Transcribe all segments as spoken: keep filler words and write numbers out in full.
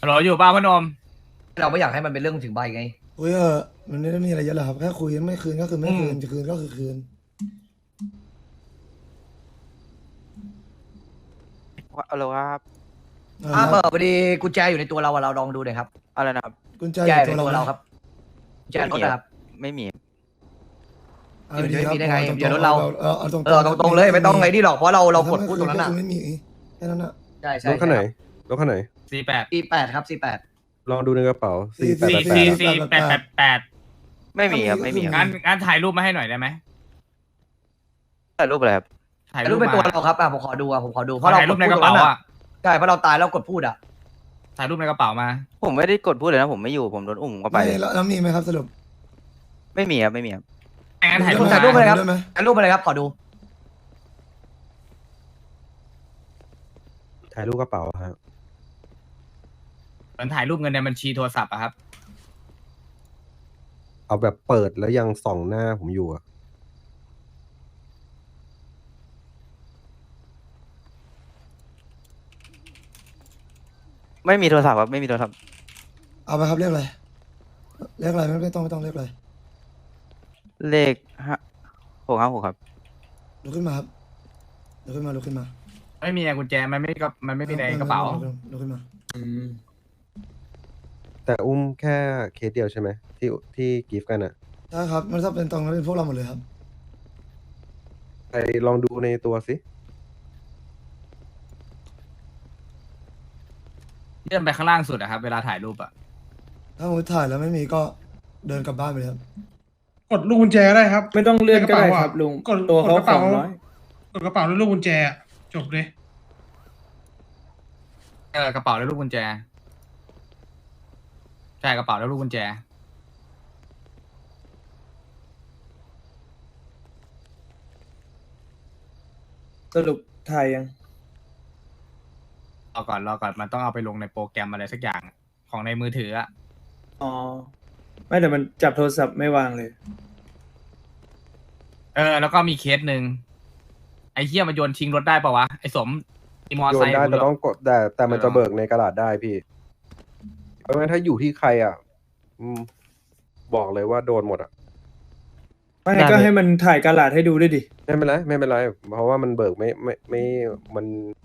ฮัลโหลอยู่ป้าพนมเราไม่อยากให้มันเป็นเรื่องถึงใบไงคุยเออมันไม่ได้มีอะไรเยอะหรอกครับแค่คุยไม่คืนก็คือไม่คืนจะคืนก็คือคืนอะไรครับอ่าเปิดพอดีกุญแจอยู่ในตัวเราอะเราลองดูหน่อยครับอะไรนะครับกุญแจกุญแจออยู่ยู่ในตัวตัวเราเราครับกุญแจรถนะครับไม่มีเอาดีครับไม่มีได้ไงอาตงๆเดี๋ยวรถเราเอาเอาตรงๆเออตรงๆเลยไม่ต้องไงนี่หรอกเพราะเราเรากดพูดตรงนั้นก็อ่ะคือไม่มีแค่นั้นอ่ะใช่ใช่รถคันไหนรถคันไหนสี่แปดสี่แปดครับสี่แปดลองดูในกระเป๋าสี่แปดสี่แปดสี่แปดสี่แปดแปดแปดไม่มีครับไม่มีคงั้รับนงั้นถ่ายรูปมาให้หน่อยได้ไหมถ่ายรูปอะไรครับถ่ายแต่รูรูปปเป็นตัวมาเราครับอ่ะผมขอดูอ่ะผมขอดูเพขอราะเราถ่ายรูปในดกระเป๋าพูดตงอ่ะใช่เพราะเราตายแล้วกดพูดอ่ะถ่ายรูปในกระเป๋ามาผมไม่ได้กดพูดเลยนะผมไม่อยู่ผมโดนอุ้มผมก็ไปไม่เลยแล้วแล้วมีไหมครับสรุปไม่มีครับไม่มีครับงั้นถ่ายรูปถ่ายรูปมาไปเลยครับได้ไหมถ่ายรูปไปเลยครับขอดูถ่ายรูปกระเป๋าครับเหมือนถ่ายรูปเงินในบัญชีโทรศัพท์อะครับเอาแบบเปิดแล้วยังส่องหน้าผมอยู่อะไม่มีโทรศัพท์ครับไม่มีโทรศัพท์เอาไปครับเรียกอะไรเรียกอะไรไม่ไม่ต้องไม่ต้องเรียกอะไรเลขห้าหกห้าหกครับลุกขึ้นมาครับลุกขึ้นมาลุกขึ้นมาไม่มีกุญแจมันไม่ก็มันไม่มีในกระเป๋าลุกขึ้นมาแต่อุ้มแค่เคสเดียวใช่ไหมที่ที่กิฟต์กันอะใช่ครับมันถ้าเป็นตรงนั้นเป็นพวกเราหมดเลยครับไปลองดูในตัวสิเลื่อนไปข้างล่างสุดอะครับเวลาถ่ายรูปอะถ้ามุดถ่ายแล้วไม่มีก็เดินกลับบ้านไปเลยครับกดลูกกุญแจก็ได้ครับไม่ต้องเลื่อนก็ได้ในกะครับเป๋าอะลุงกดตัวกดเขากระสเป๋าองร้อยกดกระเป๋าด้วยลูกกุญแจอะจบเลยเออกระเป๋าแล้วลูกกุญแจใช่กระเป๋าแล้วลูกกุญแจสรุปถ่ายยังรอก่อนรอก่อนมันต้องเอาไปลงในโปรแกรมอะไรสักอย่างของในมือถืออะอ๋อ ไม่แต่มันจับโทรศัพท์ไม่วางเลยเออแล้วก็มีเคสหนึ่งไอ้เหี้ยมันโยนทิ้งรถได้ปะวะไอ้สมอีมอโยไซนค์ได้กูแต่เหรต้องกดแต่แต่มันเออจะเบิกในกระดาษได้พี่ เพราะงั้นถ้าอยู่ที่ใครอ่ะอืมบอกเลยว่าโดนหมดอ่ะไม่ได้ก็ให้มันถ่ายกระดาษให้ดูด้วยดิไม่เป็นไรไม่เป็นไรเพราะว่ามันเบิกไม่ไม่ไม่มัน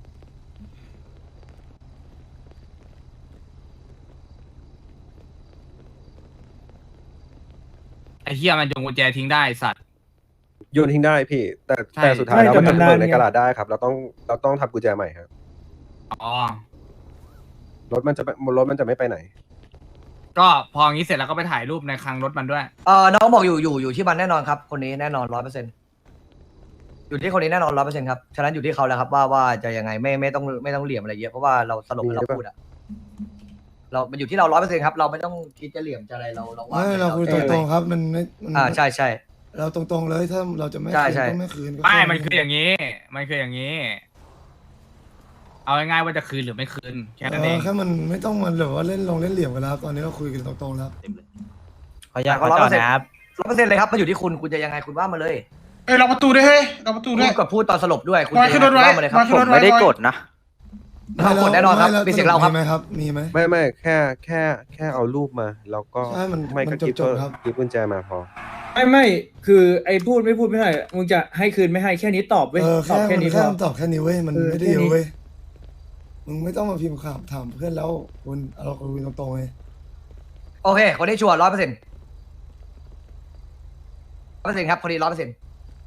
ไอ้เหี้ยมันโยนกุญแจทิ้งได้ไอ้สัตว์โยนทิ้งได้พี่ แต่ใช่แต่สุดท้ายไม่แล้วแต่มันมันจะเบิกนานในไงกระดาษได้ครับ เราต้องเราต้องทำกุญแจใหม่ครับอ๋อรถมันจะรถมันจะไม่ไปไหนก็พออย่างนี้เสร็จแล้วก็ไปถ่ายรูปในคลังรถมันด้วยเออน้องบอกอยู่อยู่อยู่ที่มันแน่นอนครับคนนี้แน่นอนร้อยเปอร์เซ็นต์อยู่ที่คนนี้แน่นอนร้อยเปอร์เซ็นต์ครับฉะนั้นอยู่ที่เขาแล้วครับว่าว่าจะยังไงไม่ไม่ต้องไม่ต้องเหลี่ยมอะไรเยอะเพราะว่าเราสรุปให้เราพูดอ่ะเรามันอยู่ที่เราร้อยเปอร์เซ็นต์ครับเราไม่ต้องคิดจะเหลี่ยมจะอะไรเราเราว่าไม่เราคุยตรงๆครับมันไม่มันอ่าใช่ใช่เราตรงๆเลยถ้าเราจะไม่ใช่คืนใช่ก็ไม่คืนก็ไม่แมันคืออย่างนี้ มันคืออย่างนี้ เอาง่ายๆว่าจะคืนหรือไม่คืนแค่นั้นเอเออง แค่มันไม่ต้องมันแบบว่าเล่นลงเล่นเหลี่ยมกันแล้วครับตอนนี้เราคุยกันตรงๆแล้วขออนุญาตขอจอดนะครับร้อยเปอร์เซ็นต์เลยครับมันอยู่ที่คุณคุณจะยังไงคุณว่ามาเลยเอ้ยล็อกประตูด้วยเฮ้ยล็อกประตูคุด้วยณกดพูดตอนสลบด้วยคุณวางจะขึ้ยังนรไงถ ไว้คุณว่ามาเลยครับวางขึ้ผมไม่ได้กดนะเรากดแน่นอนครับไม่เป็นเสียงเราครับมีไหมครับมีไหมไม่ไม่แค่แค่แค่เอารูปมา แล้วก็ใช่มันไม่มัก็นกิฟจบต์ๆครับกิฟต์กุญแจมาพอไม่ไม่คือไอ้พูดไม่พูดไม่ได้มึงจะให้คืนไม่ให้แค่นี้ตอบเว้ยเออตอบแค่แค่มันนี้พแค่อคำตอบแค่นี้เว้ยมันเออไม่ได้แค่เยนี้อะเว้ยมึงไม่ต้องมาพิมพ์ข่าวถามเพื่อนแล้วคุณเราคุยตรงๆเลยโอเคคนนี้ชัวร์ร้อยเปอร์เซ็นต์ร้อยเปอร์เซ็นต์ครับคนนี้ร้อยเปอร์เซ็นต์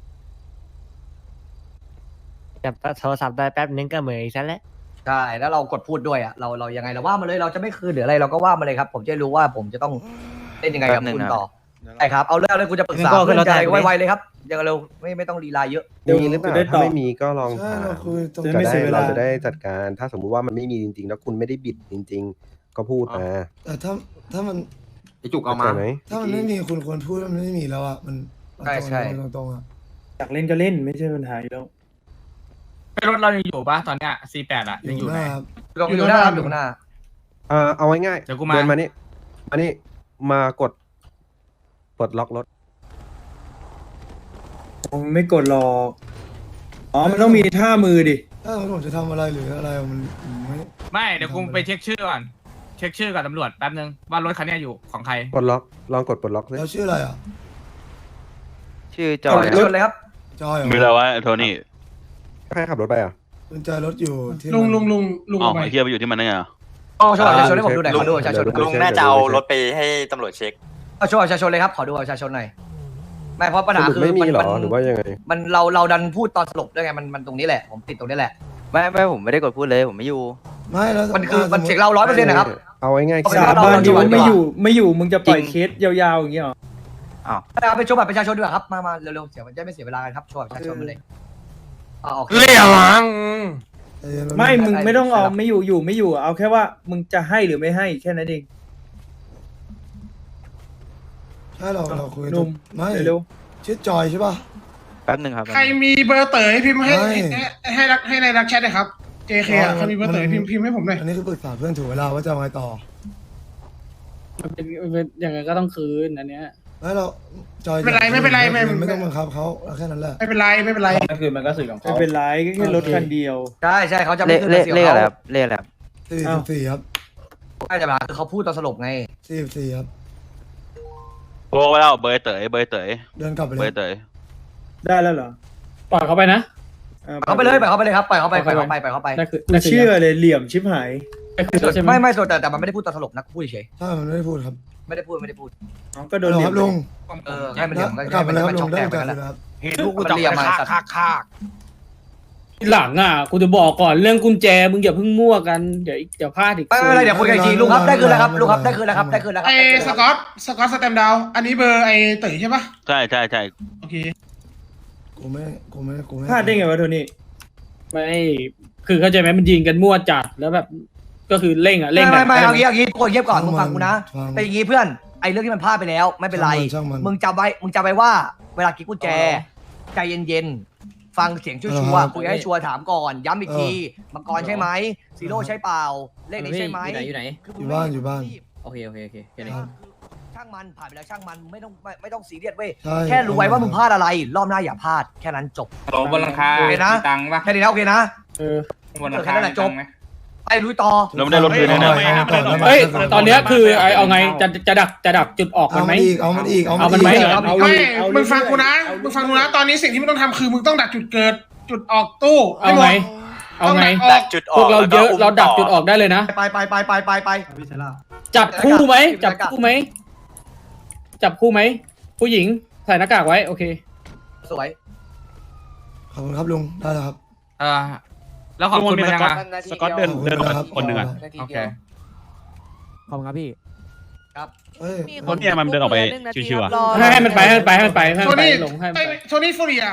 จับโทรศัพท์ได้แป๊บนึงก็เหมือนอีกซะแล้วใช่แล้วเรากดพูดด้วยอ่ะเราเรายังไงเราว่ามาเลยเราจะไม่คืนหรืออะไรเราก็ว่ามาเลยครับ ผมจะรู้ว่าผมจะต้องเล่นยังไงกับแป๊บนึงคุณนะต่อใช่ครับเอาเรื่องเลยคุณจะปรึกษางั้นก็ขึ้เพื่นอรนถใจได้ไหมไวๆเลยครับยังเร็วไม่ไม่ต้องลีลาเยอะมีหรือเปล่าจะได้ตถ้าอบไม่มีก็ลองใช่ถามเราคุยตรงจะจะไม่ได้เสียเวลาเราจะได้จัดการ ถ้าสมมุติว่ามันไม่มีจริงๆ แล้วคุณไม่ได้บิดจริง ๆ ก็พูดมาแต่ถ้าถ้ามันไอจุกเอามาไหมถ้ามันไม่มีคุณควรพูดว่ามันไม่มีแล้วอ่ะมันใช่ใช่ตรงๆตรงๆอ่ะอยากเล่นก็เล่นไม่ใช่ปัญหาอยู่แล้วรถเรายังอยู่ปะตอนเนี้ย ซี แปด อ่ะอยังอยู่ยู่หไหนน้าครับลงอยู่หน้าครับอยู่หน้าเออเอาง่ายๆเดี๋ยวกูมาเดินมานี่มานี่มากดปลดล็อกรถผมไม่กดหรอกอ๋อมันต้องมีท่ามือดิถ้าผมจะทำอะไรหรืออะไรมันไม่ไม่เดี๋ยวกูไปเช็คชื่อก่อนช็คชื่อกับตำรวจแป๊บนึงว่ารถคันเนี้ยอยู่ของใครปลดล็อกลองกดปลดล็อกสิเราชื่ออะไรอ่ะชื่อจจออย ดชนเลยครับจอยเหรอมีแล้ววะโทนี่ใครขับรถไปอ่ะกุญแจรถอยู่ที่ลุงมันลุงลุงลุงอ๋อเอาไปไอ้เฮียไปอยู่ที่มันได้ไงอะเอาโชว์บัตรประชาชนให้ผมดูหน่อยขอดูบัตรประชาชนลุลุงน่าจะเอารถไปให้ตำรวจเช็คเอาโชว์บัตรประชาชนเลยครับขอดูบัตรประชาชนหน่อยไม่เพราะปัญสหารุปคือไม่มีเหรอมันหรือว่ายังไงมันเราเราดันพูดตอนสลบด้วยไงมันมันตรงนี้แหละผมติดตรงนี้แหละไม่ไม่ผมไม่ได้กดพูดเลยผมไม่อยู่ไม่แล้วมันคือมันเสียงเราร้อยเปอร์เซ็นต์นะครับเอาง่ายๆเอาไปแค่สาเรบานดิเรว่าเรไม่อยู่ไม่อยู่มึงจะปล่อยจริงเคสยาวๆอย่างเงี้ยเหรออ้าวเอาไปโชว์บัตรประชาชนดีกว่าครับมามาเร็วๆเสียมันจะไม่เสียเวลากันครับโชว์บัตรประชาชนมาเลยเอาโอเคเรียวังใจเย็นไม่นมึงไม่ต้องเอาไม่อยู่อยู่ไม่อยู่ เอาแค่ว่ามึงจะให้หรือไม่ให้แค่นั้นเองใช่เราเราคุยหนุ่มไม่เร็วชื่อจอยใช่ป่ะแป๊บหนึ่งครับใครมีเบอร์เต๋อให้พิมพ์ให้ไม่ให้ให้รักให้ในรักแชทเลยครับ เจ เค อ่ะใครมีเบอร์เต๋อให้พิมพ์พิมพ์ให้ผมหน่อยอันนี้คือปรึกษาเพื่อนถูกเวลาว่าจะเอาไงต่อมันเป็นมันเป็นอย่างไงก็ต้องคืนอันเนี้ยไม่เราจอยไม่เป็นไรไม่เป็นไรไม่ไม่ต้องบังคับเขาเอาแค่นั้นแหละไม่เป็นไรไม่เป็นไรก็คือมันก็สื่อของเขาไม่เป็นไรก็แค่รถคันเดียวใช่ใช่เขาจะเลไม่ขขึ้นเลขเสียงเลขอะไรเขาครับเลขอะไรครับสี่อ้าสิวบสี่ครับใช่แต่ปัญหาคือเขาพูดตอนสลบไงสี่สิบสี่ครับโทรไปแล้วเบอร์เต๋ยเบอร์เต๋ยเดินกลับไปเบเลอย ร์เต๋ยได้แล้วเหรอปล่อยเขาไปนะปล่อยเขาไปเลยปล่อยเขาไปเลยครับปล่อยเขาไปปล่อยเขาไปปล่อยเขาไปได้คือกูเชื่อเลยเหลี่ยมชิบหายได้คือใช่ไหมไม่ไม่ส่วนแต่แต่มันไม่ได้พูดตอนสลบนะพูดเฉยใช่มันไม่ได้พูดครับไม่ได้พูดไม่ได้พูดอ๋อก็โดฮันลโหลเหลี่คยรัมบลุงเออให้มันเรียมกลับมาแล้วครับมันลุช็อง กได้แตกโอไปกาสแล้วแล้วครับเห็นลูกกูจับมันเรียมไปมาฆ่าสัตว์ฆ่าฆ่าหลังอ่ะกูจะบอกก่อนเรื่องกุญแจมึงอย่าเพิ่งมั่วกันเดี๋ยวเดี๋ยวพลาดอีกไม่ไม่เป็นไรเดี๋ยวคุยกันอีกทีลุงครับได้คืนแล้วครับลุงครับได้คืนแล้วครับได้คืนแล้วครัไอ้สกอตสกอตสแตมดาวอันนี้เบอร์ไอ้เต๋อใช่ปะใช่ใช่ใช่โอเคกูไม่กูไม่กูไม่พลาดได้ไงวะโทนี่ไม่คือเข้าใจไหมมันยิงกันมั่วจัดแล้วแบบก็คือเร่งอ่ะเร่ไม่งไม่ไม่เอางี้เอางี้ทุกคนเงียบก่อนมึงฟังกูนะฟังเป็นอย่างงี้เพื่อนไอ้เรื่องที่มันพลาดไปแล้วไม่เป็นไรช่างมันมึงจำไว้มึงจำไว้ว่า เวลากิ๊กกุญแจใจเย็นๆฟังเสียงชัวร์ๆคุยให้ชัวร์ถามก่อนย้ำอีกทีมังกรใช่ไหมซีโร่ใช่เปล่าเลขนี้ใช่ไหมอยู่ไหนคือยู่บ้านอยู่บ้านโอเคโอเคโอเคแค่คือนี้ช่างมันผ่านไปแล้วช่างมันไม่ต้องไม่ไม่ต้องซีเรียสเว้ยใช่แค่รู้ไว้ว่ามึงพลาดอะไร รอบหน้าอย่าพลาดแค่นั้นจบโหลบนหลังคาโอเคนะมีตังค์ปะแค่นี้นะโอเคนะเออบนหลังแค่คานั้นแหละมีตังค์ไหมไปลุยต่อเราไม่ได้รถคืนเลยนะเฮ้ยตอนเนี้ยคือไอเอาไงจะจะดักจะดักจุดออกมัเอานไหมมันอีกเอามันอีกเอามันไหมอีกเอาไม่เอามึงฟังกูนะมึงฟังกูนะตอนนี้สิ่งที่มึงต้องทำคือมึงต้องดักจุดเกิดจุดออกตู้เอาไงเอาไงต้องดัดักกออกจุดอพอวกกเราเยอะแล้วก็มเราดักต่อจุดออกได้เลยนะไปไปไปไปไปไปจับคู่ไหมจัจับบคู่ไหมจับคู่ไหมผู้หญิงใส่หน้ากากไว้โอเคสวยขอบคุณครับลุงได้แล้วครับเออแล้วขอบคุณมันยังไงสกอตเดินเดินออกมาคนหนึ่งอ่ะโอเคขอบคุณครับพี่เฮ้ยคนเนี่ยมันเดินออกไปชิวๆอ่ะให้ให้มันไปให้มันไปให้มันไปให้โทมันไปนี่ลงให้มันไอ้ไปโทนี่ฟูเรีย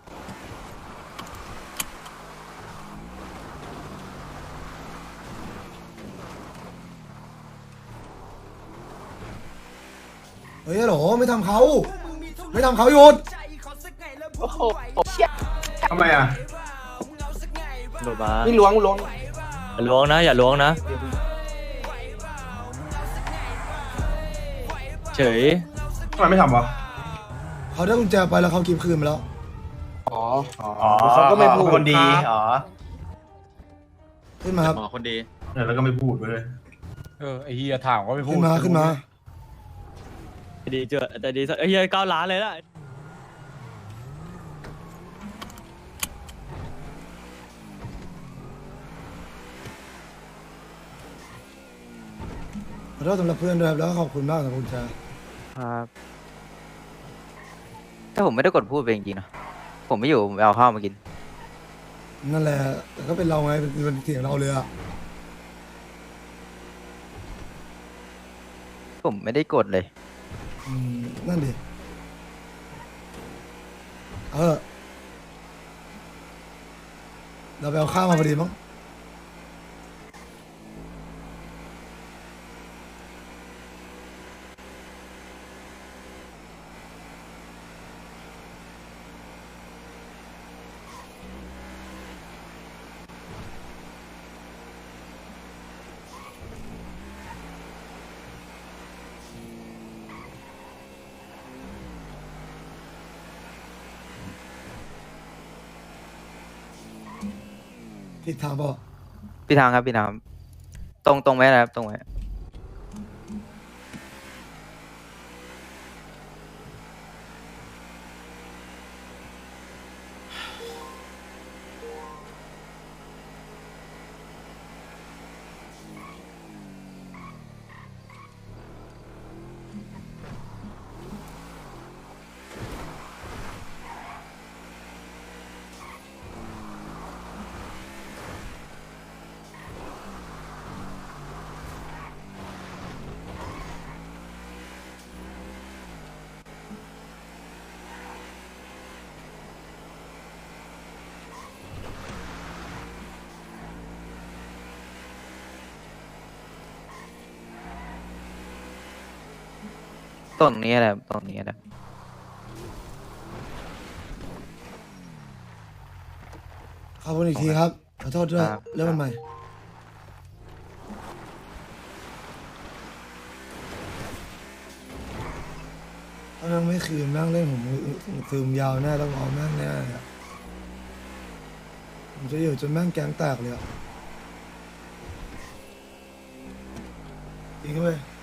เฮ้ยฮัลโหลไม่ทำเขาไม่ทำเขาหยุดทำไมอ่ะหลุดมานี่ล้วงล้วงอย่าล้วงนะ อย่าล้วงนะ เฉยทำไมไม่ทำวะเขาได้กุญแจไปแล้วเขากินคืนไปแล้วอ๋อเขาก็ไม่พูดคนดีอ๋อขึ้นมาครับอ๋อคนดีแล้วก็ไม่พูดเลยเออไอ้เฮียถามก็ไม่พูดขึ้นมาขึ้นมาดีเจอแต่ดีเฮ้ยเก้าล้านเลยล่ะขอโทษสำหรับเพื่อนด้วยครับแล้วก็ขอบคุณมากสำหรับกุญแจครับถ้าผมไม่ได้กดพูดไปจริงๆนะผมไม่อยู่ผมไปเอาข้าวมากินนั่นแหละแต่ก็เป็นเราไงเป็นเป็นเสียงเราเลยอ่ะผมไม่ได้กดเลยอืมนั่นดิเออเราไปเอาข้าวมาพอดีมั้ง ผิดทางเปล่าพี่ทางครับพี่ทางตรงตรงไว้นะครับตรงไว้ตรงนี้แหละตรงนี้แหละขอบคุณอีกทีครับขอโทษด้วยครับเริ่มมันใหม่ถ้าแม่งไม่คืนแม่งเล่นผมซึมยาวแน่ต้องเอาแม่งแน่อะผมจะอยู่จนแม่งแก๊งแตกเลยอะจริงเว้ย